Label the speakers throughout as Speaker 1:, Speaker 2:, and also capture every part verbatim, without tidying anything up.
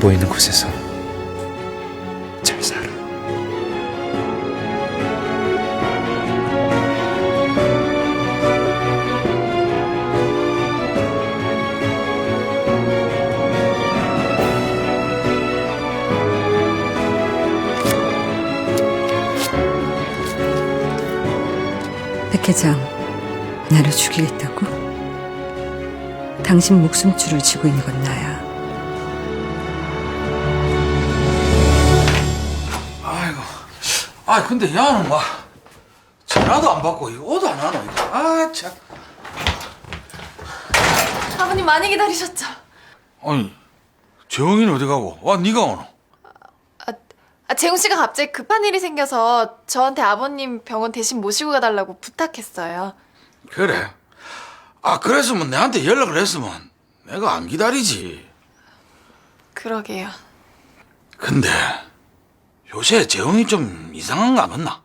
Speaker 1: 보이는 곳에서 잘 살아.
Speaker 2: 백 회장, 나를 죽이겠다고? 당신 목숨줄을 쥐고 있는 건 나야.
Speaker 3: 아이고, 아 근데 야는 뭐 전화도 안 받고 이거 오도 안 하노 이거. 아 참.
Speaker 4: 아버님 많이 기다리셨죠?
Speaker 3: 아니 재홍이는 어디 가고? 와 네가 오노?
Speaker 4: 아, 아 재웅 씨가 갑자기 급한 일이 생겨서 저한테 아버님 병원 대신 모시고 가달라고 부탁했어요.
Speaker 3: 그래. 아 그랬으면 내한테 연락을 했으면 내가 안 기다리지.
Speaker 4: 그러게요.
Speaker 3: 근데 요새 재홍이 좀 이상한 거 같나?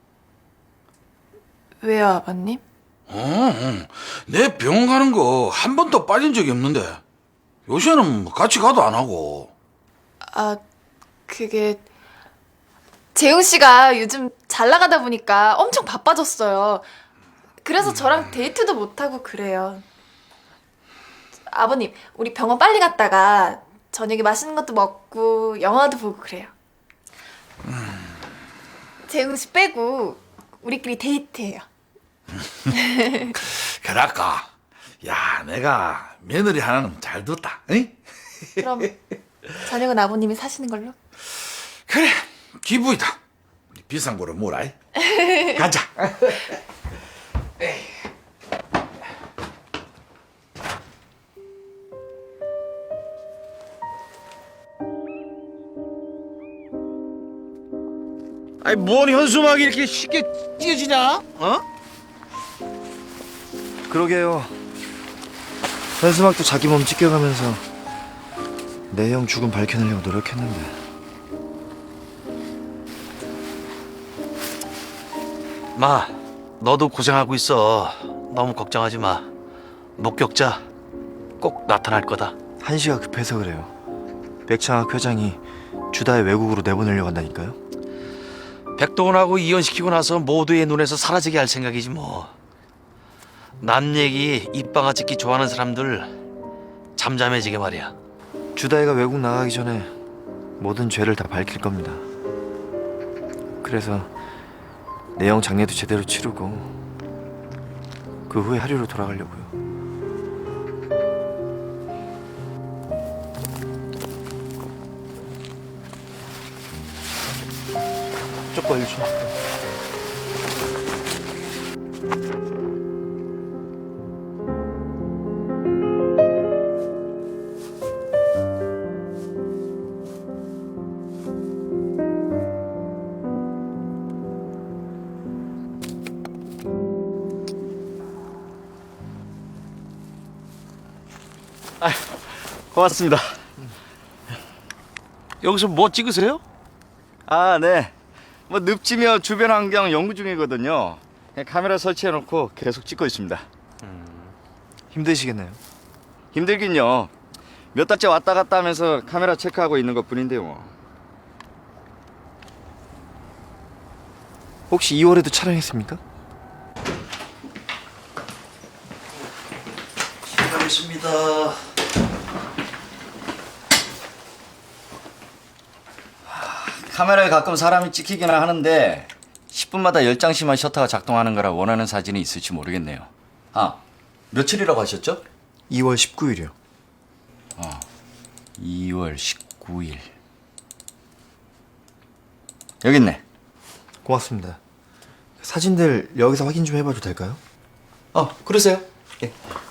Speaker 4: 왜요, 아버님?
Speaker 3: 어, 어. 내 병원 가는 거 한 번도 빠진 적이 없는데 요새는 뭐 같이 가도 안 하고.
Speaker 4: 아, 그게 재웅 씨가 요즘 잘 나가다 보니까 엄청 바빠졌어요. 그래서 저랑 데이트도 못 하고 그래요. 아버님, 우리 병원 빨리 갔다가 저녁에 맛있는 것도 먹고 영화도 보고 그래요. 재웅 씨 빼고 우리끼리 데이트해요.
Speaker 3: 그럴까? 야, 내가 며느리 하나는 잘 뒀다. 응?
Speaker 4: 그럼 저녁은 아버님이 사시는 걸로?
Speaker 3: 그래, 기부이다. 비싼 거를 뭐라 해? 가자.
Speaker 5: 아니 뭔 현수막이 이렇게 쉽게 찢어지냐? 어?
Speaker 6: 그러게요. 현수막도 자기 몸 찢겨가면서 내 형 죽음 밝혀내려고 노력했는데.
Speaker 5: 마, 너도 고생하고 있어. 너무 걱정하지 마. 목격자 꼭 나타날 거다.
Speaker 6: 한시가 급해서 그래요. 백창학 회장이 주다의 외국으로 내보내려고 한다니까요.
Speaker 5: 백동원하고 이혼시키고 나서 모두의 눈에서 사라지게 할 생각이지 뭐. 남 얘기 입방아 찍기 좋아하는 사람들 잠잠해지게 말이야.
Speaker 6: 주다이가 외국 나가기 전에 모든 죄를 다 밝힐 겁니다. 그래서 내 형 장례도 제대로 치르고 그 후에 하류로 돌아가려고요. 쪽봐 일 좀.
Speaker 5: 아, 고맙습니다. 여기서 뭐 찍으세요?
Speaker 7: 아, 네. 뭐 늪지며 주변 환경 연구 중이거든요. 그냥 카메라 설치해놓고 계속 찍고 있습니다.
Speaker 6: 힘드시겠네요.
Speaker 7: 힘들긴요. 몇 달째 왔다 갔다 하면서 카메라 체크하고 있는 것뿐인데요. 뭐.
Speaker 6: 혹시 이월에도 촬영했습니까?
Speaker 5: 실례하겠습니다.
Speaker 7: 카메라에 가끔 사람이 찍히기는 하는데 십 분마다 열 장씩만 셔터가 작동하는 거라 원하는 사진이 있을지 모르겠네요. 아, 며칠이라고 하셨죠?
Speaker 6: 이월 십구일이요.
Speaker 7: 이월 십구일. 여기 있네.
Speaker 6: 고맙습니다. 사진들 여기서 확인 좀 해봐도 될까요?
Speaker 7: 어, 그러세요? 예.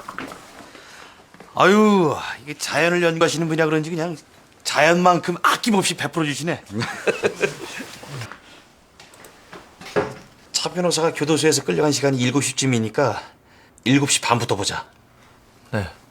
Speaker 5: 아유, 이게 자연을 연구하시는 분이라 그런지 그냥 자연만큼 아낌없이 베풀어 주시네. 차 변호사가 교도소에서 끌려간 시간이 일곱 시쯤이니까 일곱 시 반부터 보자.
Speaker 6: 네.